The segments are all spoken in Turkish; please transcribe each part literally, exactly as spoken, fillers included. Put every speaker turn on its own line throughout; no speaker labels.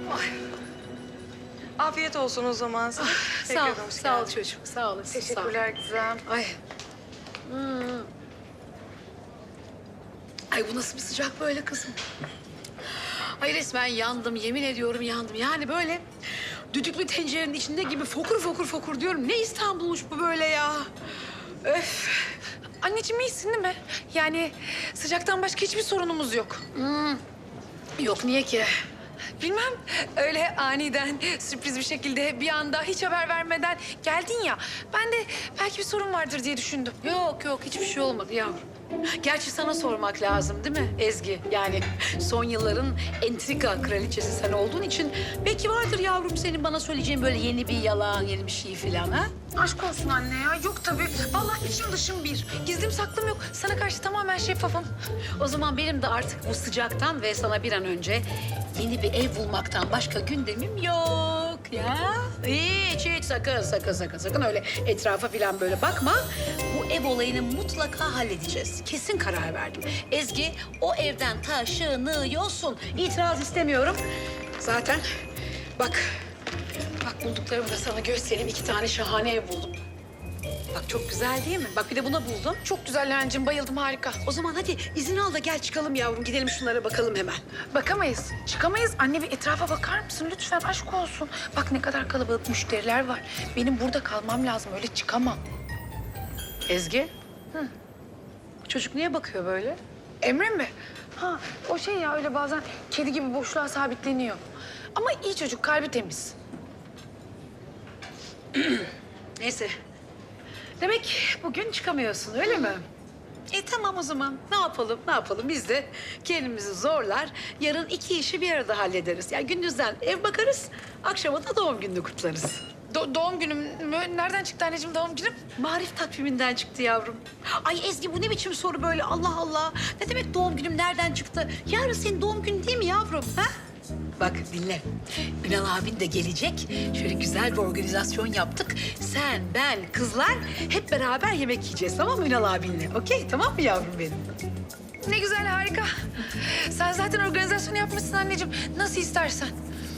Afiyet olsun o zaman.
Ah, sağ ol, sağ ol çocuğum. Sağ olasın.
Teşekkürler Gizem.
Ay. Hmm. Ay bu nasıl bir sıcak böyle kızım? Ay resmen yandım, yemin ediyorum yandım. Yani böyle düdüklü tencerenin içinde gibi fokur fokur fokur diyorum. Ne İstanbul'muş bu böyle ya? Öf.
Anneciğim iyisin değil mi? Yani sıcaktan başka hiçbir sorunumuz yok.
Hmm. Yok niye ki?
Bilmem öyle aniden sürpriz bir şekilde bir anda hiç haber vermeden geldin ya. Ben de belki bir sorun vardır diye düşündüm.
Yok yok hiçbir şey olmadı yavrum. Gerçi sana sormak lazım değil mi Ezgi? Yani son yılların entrika kraliçesi sen olduğun için belki vardır yavrum senin bana söyleyeceğin böyle yeni bir yalan, yeni bir şey falan ha?
Aşk olsun anne ya. Yok tabii. Vallahi içim dışım bir. Gizlim saklım yok. Sana karşı tamamen şeffafım.
O zaman benim de artık bu sıcaktan ve sana bir an önce yeni bir ev bulmaktan başka gündemim yok ya. Hiç hiç sakın sakın sakın sakın öyle etrafa falan böyle bakma. Bu ev olayını mutlaka halledeceğiz. Kesin karar verdim. Ezgi o evden taşınıyorsun. İtiraz istemiyorum. Zaten bak bak bulduklarımı da sana göstereyim. İki tane şahane ev buldum. Bak çok güzel değil mi? Bak bir de buna buldum.
Çok güzel Leğencim. Bayıldım. Harika.
O zaman hadi izin al da gel çıkalım yavrum. Gidelim şunlara bakalım hemen.
Bakamayız. Çıkamayız. Anne bir etrafa bakar mısın? Lütfen aşk olsun. Bak ne kadar kalabalık müşteriler var. Benim burada kalmam lazım. Öyle çıkamam.
Ezgi. Hı. Çocuk niye bakıyor böyle?
Emre mi? Ha o şey ya öyle bazen kedi gibi boşluğa sabitleniyor. Ama iyi çocuk. Kalbi temiz.
Neyse. Demek bugün çıkamıyorsun öyle mi? E tamam o zaman. Ne yapalım, ne yapalım? Biz de kendimizi zorlar. Yarın iki işi bir arada hallederiz. Yani gündüzden ev bakarız, akşama da doğum gününü kutlarız.
Do- doğum günüm mü? Nereden çıktı anneciğim doğum günüm?
Marif takviminden çıktı yavrum. Ay Ezgi bu ne biçim soru böyle Allah Allah. Ne demek doğum günüm nereden çıktı? Yarın senin doğum günün değil mi yavrum? Ha? Bak dinle. Ünal abin de gelecek. Şöyle güzel bir organizasyon yaptık. Sen, ben, kızlar hep beraber yemek yiyeceğiz tamam mı Ünal abinle? Okey tamam mı yavrum benim?
Ne güzel harika. Sen zaten organizasyonu yapmışsın anneciğim. Nasıl istersen.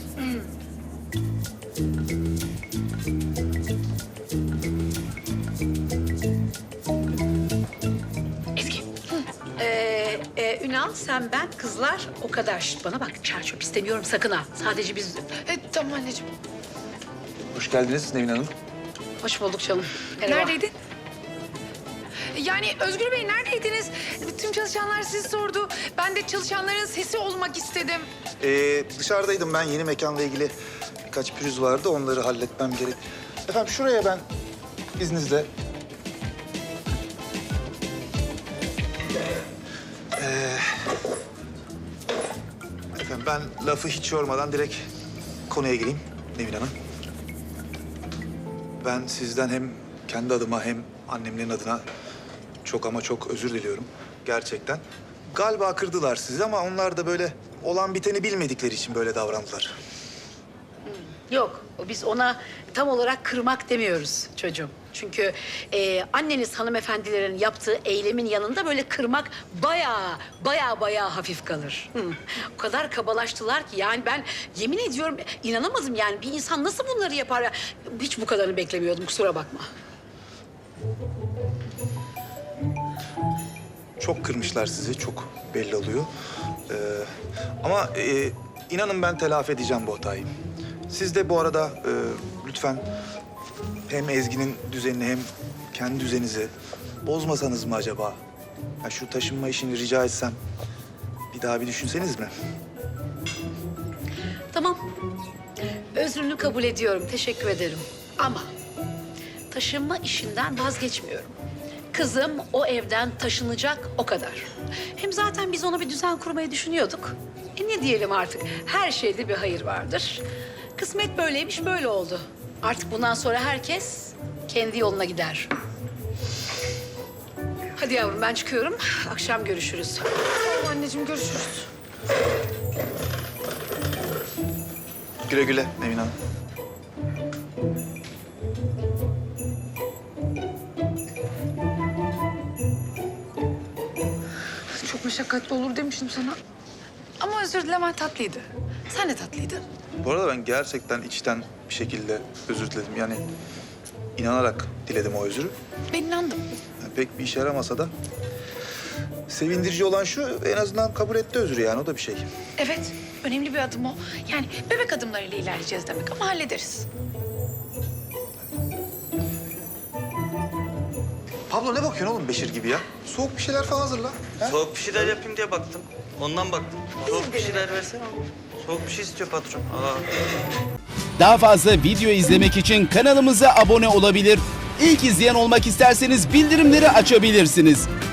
Ezgi. Ee, e, Ünal, sen, ben, kızlar o kadar. Şişt, bana bak çarçöp istemiyorum sakın ha. Sadece biz.
E, tamam anneciğim.
Hoş geldiniz Nevin Hanım.
Hoş bulduk canım. Merhaba.
Neredeydin? Yani Özgür Bey neredeydiniz? Tüm çalışanlar sizi sordu. Ben de çalışanların sesi olmak istedim.
Ee, dışarıdaydım ben. Yeni mekanla ilgili birkaç pürüz vardı. Onları halletmem gerek. Efendim şuraya ben izninizle... Ee, efendim ben lafı hiç yormadan direkt konuya gireyim Nevin Hanım. Ben sizden hem kendi adıma hem annemlerin adına çok ama çok özür diliyorum. Gerçekten. Galiba kırdılar sizi ama onlar da böyle olan biteni bilmedikleri için böyle davrandılar.
Yok, biz ona tam olarak kırmak demiyoruz çocuğum. Çünkü e, anneniz hanımefendilerin yaptığı eylemin yanında böyle kırmak bayağı, bayağı, bayağı hafif kalır. Hı. O kadar kabalaştılar ki yani ben yemin ediyorum inanamadım yani bir insan nasıl bunları yapar ya? Hiç bu kadarını beklemiyordum kusura bakma.
Çok kırmışlar sizi, çok belli oluyor. Ee, ama e, inanın ben telafi edeceğim bu hatayı. Siz de bu arada e, lütfen hem Ezgi'nin düzenini hem kendi düzeninizi bozmasanız mı acaba? Ya şu taşınma işini rica etsem bir daha bir düşünseniz mi?
Tamam. Özrünü kabul ediyorum. Teşekkür ederim. Ama taşınma işinden vazgeçmiyorum. Kızım o evden taşınacak o kadar. Hem zaten biz ona bir düzen kurmayı düşünüyorduk. E ne diyelim artık? Her şeyde bir hayır vardır. Kısmet böyleymiş, böyle oldu. Artık bundan sonra herkes kendi yoluna gider. Hadi yavrum ben çıkıyorum. Akşam görüşürüz.
Tamam anneciğim görüşürüz.
Güle güle Nevin Hanım.
Çok meşakkatli olur demiştim sana. Ama özür dilemen tatlıydı. Sen de tatlıydın.
Bu arada ben gerçekten içten bir şekilde özür diledim. Yani inanarak diledim o özürü.
Ben inandım.
Yani pek bir işe yaramasa da sevindirici olan şu, en azından kabul etti özrü yani, o da bir şey.
Evet, önemli bir adım o. Yani bebek adımlarıyla ilerleyeceğiz demek ama hallederiz.
Pablo ne bakıyorsun oğlum Beşir gibi ya? Soğuk bir şeyler falan hazırla. Ha?
Soğuk bir şeyler yapayım diye baktım. Ondan baktım. Soğuk bir şeyler versene oğlum. Soğuk bir şey istiyor patron. Aa.
Daha fazla video izlemek için kanalımıza abone olabilir. İlk izleyen olmak isterseniz bildirimleri açabilirsiniz.